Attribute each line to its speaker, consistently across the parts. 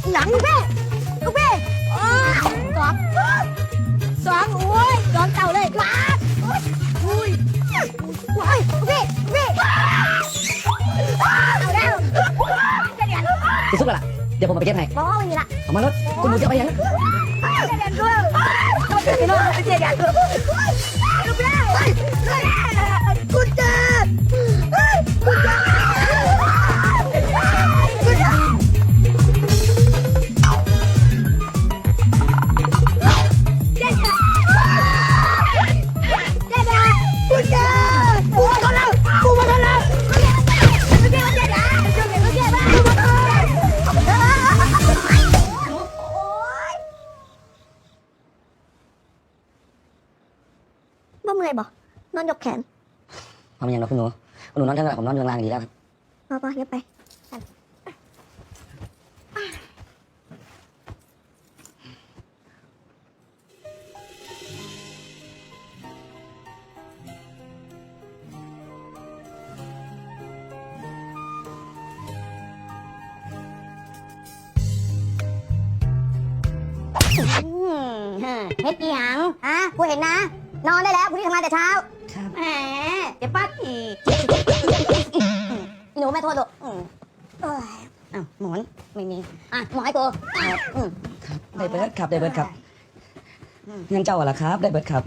Speaker 1: หนังลูกพี่สองโอ้ยสองเต่าเลยว้าอุ้ยว้ายพี่เอาแล้ว
Speaker 2: จะซุกละเดี๋ยวผมเอาไปเก็บให้
Speaker 1: บอกว่าวันนี้ละ
Speaker 2: เอามารถคุณหนูจะเอาไปยัง
Speaker 1: เด็ดด้วยต้องเด็ดด้วยเด็ดด้วยลูกพี่คุณเจคุณเจบ่เมื่อยบ่นอนยกแขน
Speaker 2: เอามายังเราคุณหนูนอนทั้งหลังผมนอนเรืองรางดีแล้วครับ
Speaker 1: พอเย็บไปเฮ็ดอีหยังกูเห็นนะนอนได้แล้วกูที่ทำงานแต่เช้า
Speaker 2: ครับ
Speaker 1: แหมเดี๋ยวป้าอีหนูแม่โทษลูกอ้าวหมอนไม่มีหมอนให้กู
Speaker 2: ครับได้เบิร์ดครับยังเจ้าอะไรครับได้เบิร์ดครับ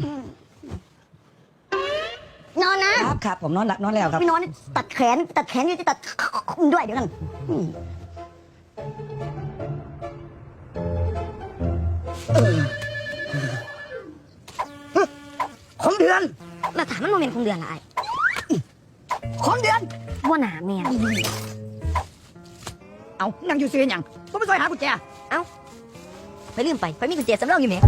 Speaker 1: นอน
Speaker 2: นะครับผมนอนแล้วครับ
Speaker 1: ไม่นอนตัดแขนนี่จะตัดด้วยเดี๋ยวกัน
Speaker 2: ของเดือน
Speaker 1: มาถามมันโมเมนต์คงเดือนอะไร
Speaker 2: ของเดือน
Speaker 1: ว่าหนาเมีย
Speaker 2: เอานั่งอยู่ซื้อยังก็ไม่ซอยหากุญแจ
Speaker 1: ไปลืมไปมีกุญแจสำรองอยู่ไหม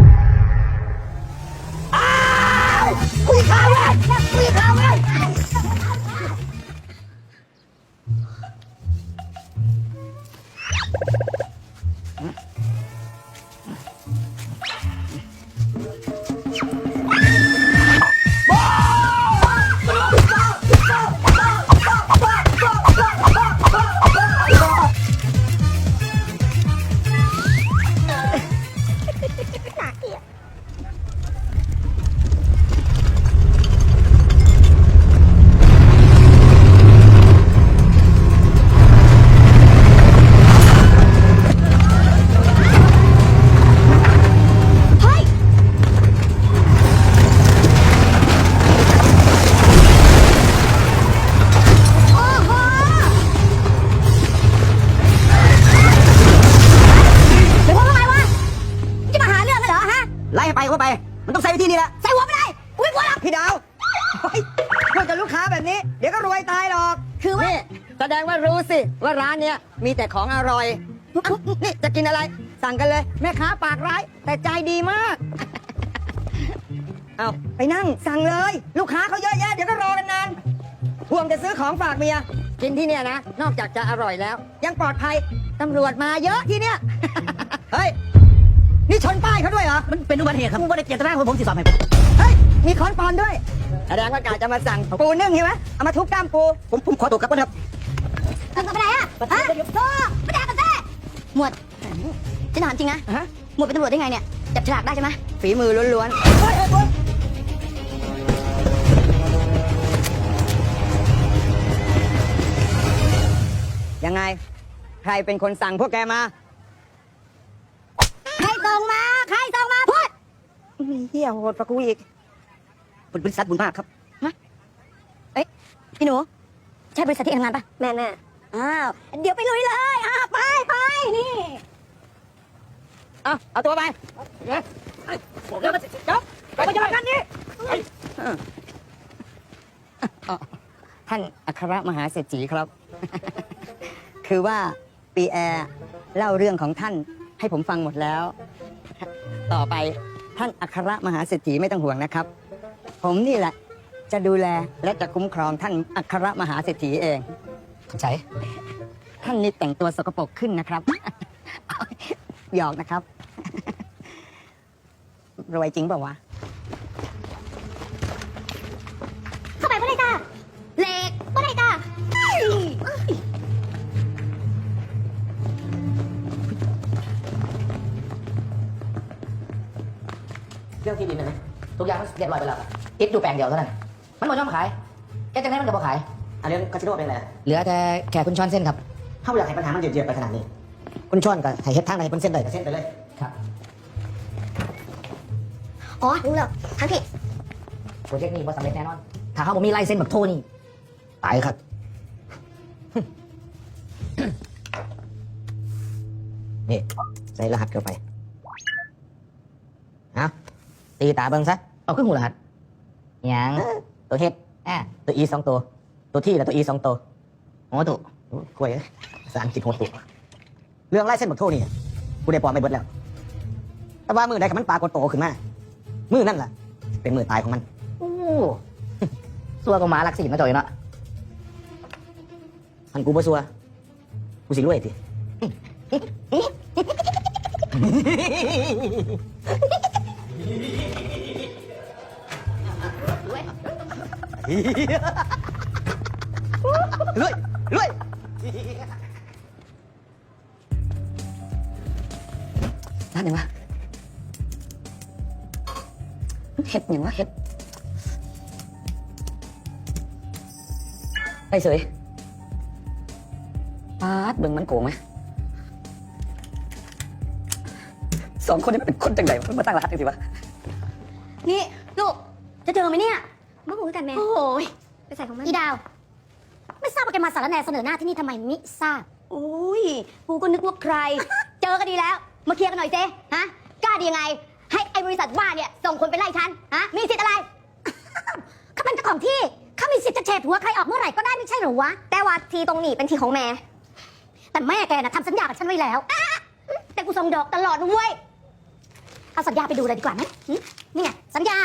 Speaker 2: คุยข่าวเลยไล่ไปเข้าไปมันต้องใส่วิธีนี้แหละ
Speaker 1: ใส่หัวไม่ได้กูไม่กลัวหรอก
Speaker 2: พี่ดาวพูดกับลูกค้าแบบนี้เดี๋ยวก็รวยตายหรอก
Speaker 1: คือว่า
Speaker 2: แสดงว่ารู้สิว่าร้านเนี้ยมีแต่ของอร่อยนี่จะกินอะไรสั่งกันเลยแม่ค้าปากร้ายแต่ใจดีมากเอาไปนั่งสั่งเลยลูกค้าเขาเยอะแยะเดี๋ยวก็รอกันนานห่วงจะซื้อของฝากเมียกินที่เนี่ยนะนอกจากจะอร่อยแล้วยังปลอดภัยตำรวจมาเยอะที่เนี่ยเฮ้ยนี่ชนป้ายเขาด้วยเหรอมันเป็นอุบัติเหตุครับผมไม่ได้เจตนาผมสิสอบให้เฮ้ยมีค้อนปอนด้วยแสดงว่ากาจะมาสั่งปูนึ่งใช่ไหมเอามาทุบกล้ามปูผมขอตัวกลับก่อนครับ
Speaker 1: ทำกับอะไรโซ่ไม่ได้กันแท้หมวดจะถามจริงนะหมวดเป็นตำรวจได้ไงเนี่ยจับฉลากได้ใช่ไหม
Speaker 2: ฝีมือล้วนๆยังไงใครเป็นคนสั่งพวกแกมา
Speaker 1: ใครส่งมาพูด
Speaker 2: เฮียโหดปะกูอีกบริษัทบุญมากครับ
Speaker 1: เอ้ยพี่หนูใช่บริษัทที่ทำงานปะแม่อ้าวเดี๋ยวไปลุยเลยไปนี่
Speaker 2: เอาตัวไปเดี๋ยวมาจับไปจับกันนี่ท่านอัครมหาเศรษฐีครับคือว่าปีแอร์เล่าเรื่องของท่านให้ผมฟังหมดแล้วต่อไปท่านอัครมหาเศรษฐีไม่ต้องห่วงนะครับผมนี่แหละจะดูแลและจะคุ้มครองท่านอัครมหาเศรษฐีเองใช่ท่านนี่แต่งตัวสกปรกขึ้นนะครับหยอกนะครับรวยจริงเปล่าวะ
Speaker 1: เข้าไปไม่ได้จ้าเหล็กไม่ได้จ้า
Speaker 3: เรื่องที่ดินนะนะทุกอย่างมันเรียบร้อยไปแล้วติดอยู่แปลงเดียวเท่านั้นมันบ่ยอมขายแกจังไดมันก็บ่ขายเรื่องคาสิโนเป็นไรเหลือแต่แค่คุณช้อนเส้นครับถ้าอยากให้ปัญหามันเดือดๆไปขนาดนี้คุณช้อนก็ให้เฮ็ดทางไหนเป็นเส้นใดก็เส้นไปเลยครับ
Speaker 1: อ๋อรู้แล้วทั้งผิด
Speaker 3: โปรเจกต์นี้บ่สำเร็จแน่นอนถ้าเขาบ่มีลายเส้นแบบโทนี่ตายครับ นี่ใส่รหัสเข้าไปเอาตีตาเบิ่งซะเอาขึ้นหูรหัสอย่างตัวเฮ็ดตัวอี2 ตัวตัวที่และตัวอี2 ตัวอ๋อตัวกล้วยภาษาอังกฤษโหดตัวเรื่องไล่เส้นบักโทนี่กูได้ปลอมไปเบิดแล้ว แต่ว่ามือใดกับมันปลากดโตขึ้นมามือนั่นล่ะเป็นมือตายของมันโอ้ ซัวก็หมาลักศีลมาจ่อยเนาะมันกูบ่ซัวกูสิรวยสิรวยรวยร้านไหนวะเห็ดอย่างวะเห็ดไปเสยปาดเบิ่งมันโกงไหมสองคนนี้มันเป็นคนจังไหนมันมาตั้งรหัสจังสิวะ
Speaker 1: นี่ลูกจะเจอไหมเนี่ยมาหูกันแม่โอ้ยไปใส่ของมันอีดาวไม่ทราบว่าแกมาสารแหน่เสนอหน้าที่นี่ทำไมมิทราบโอ้ยกูก็นึกว่าใคร เจอกันดีแล้วมาเคลียร์กันหน่อยเจ๊ฮะกล้าดียังไงให้ไอ้บริษัทว่าเนี่ยส่งคนไปไล่ฉันฮะมีสิทธิ์อะไรเขาเป็นเจ้าของที่เขามีสิทธิ์จะเฉดหัวใครออกเมื่อไหร่ก็ได้ไม่ใช่หรอวะแต่ว่าทีตรงนี้เป็นทีของแม่แต่แม่แกน่ะทำสัญญากับฉันไว้แล้วแต่กูส่งดอกตลอดนะเว้ยเอาสัญญาไปดูเลยดีกว่าไหมนี่ไงสัญญา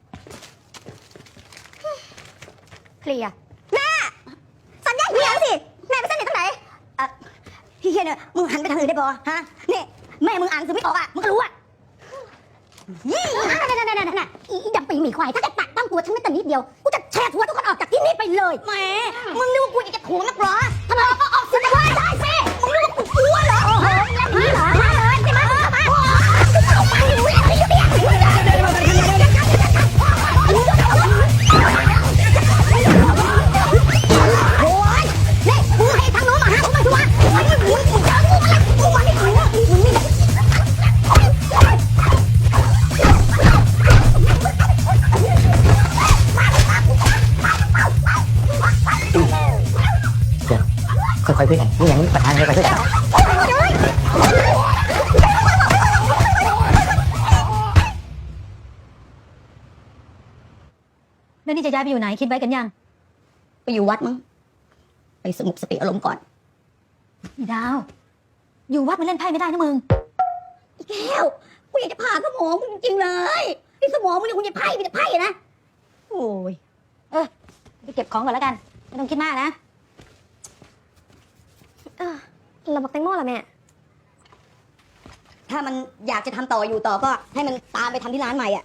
Speaker 1: เคลียร์แม่สัญญาเฮียสิแม่ไปเส้นไหนตรงไหนเฮียเนี่ยมึงหันไปทางอื่นได้ปะฮะนี่แม่มึงอ่านสื่อไม่ออกอ่ะมึงก็รู้อ่ะนั่นอีดำปีหมีควายถ้าแกแตะต้องตัวฉันไม่แต่นิดเดียวกูจะแช่หัวทุกคนออกจากที่นี่ไปเลยแหมมึงนึกว่ากูจะถ่วงนักหรอทำไมก็ออกสิได้สิมึงนึกว่ากูกลัวเหรอโอ้โหเล่นนี้เหรอมาเลยใช่ไหมออกไปอยู่เนี่ยโอ้ยนี่มึงให้ทางโน้นมาหากูมาชัวร์มึงเจอกูอะไรกูมาไม่ถูกมึงนี่ค่อยๆคุยกันนี่ยังปัญหาค่อยๆคุยกันแล้วนี่จะย้ายไปอยู่ไหนคิดไว้กันยังไปอยู่วัดมั้งไปสงบสติอารมณ์ก่อนดาวอยู่วัดมันเล่นไพ่ไม่ได้นะมึงอีแก้วกูอยากจะผ่าสมองมึงจริงๆเลยไอ้สมองมึงเนี่ยกูจะไพ่มีแต่ไพ่นะโอ้ยไปเก็บของก่อนแล้วกันไม่ต้องคิดมากนะเราบอกแตงโมล่ะแม่ถ้ามันอยากจะทำต่ออยู่ต่อก็ให้มันตามไปทำที่ร้านใหม่อ่ะ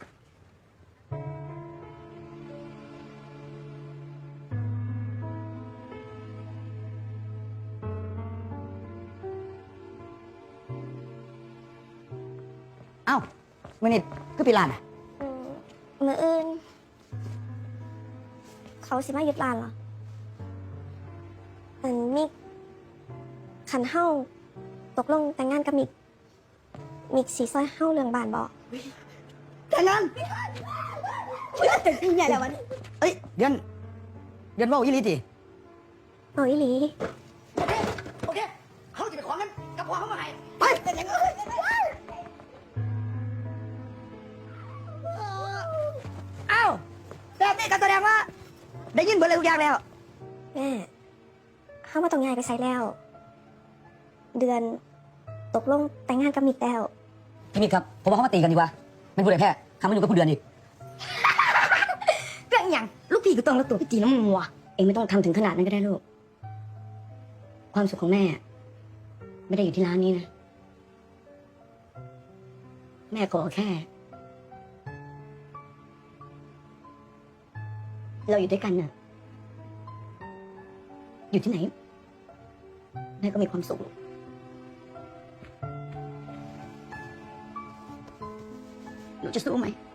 Speaker 2: เอ้ามื่อนี้คือปีลานอ่ะ
Speaker 1: มื้ออื่นเขาสิมายึดร้านเหรอมิกขันเฮ้าตกลงแต่งงานกับมิกสีซอยเฮ้าเรื่องบ้านบอก
Speaker 2: แต่งงาน
Speaker 1: ตึกใหญ่แล้ววัน
Speaker 2: เอ้ยเดือนว่าอีหลีติ
Speaker 1: เอาอีหลี
Speaker 2: โอเคเขาจะไปขอเงินกับพ่อเขามาให้ไปแต่งงานอ้าวแบบนี้ก็แสดงว่าได้ยินเบิดเลยทุกอย่างแล้ว
Speaker 1: แม่เฮ้ามาต้องย้ายไปใช้แล้ว เดือนตกลงแต่งงานกับมิกแล้ว
Speaker 2: พี่มิตรครับผมว่าเขามาตีกันดีกว่าไม่พูดเลยแพ้ทำไม่อยู่กับผู้เดือนอีก
Speaker 1: เรื่องอย่างลูกพี่ก็ต้องรักตัวพี่ตีน้ำมัวเองไม่ต้องทำถึงขนาดนั้นก็ได้ลูกความสุขของแม่ไม่ได้อยู่ที่ร้านนี้นะแม่ขอแค่ เราอยู่ด้วยกันน่ะอยู่ที่ไหนแม่ก็มีความสุขหนูจะสู้ไหม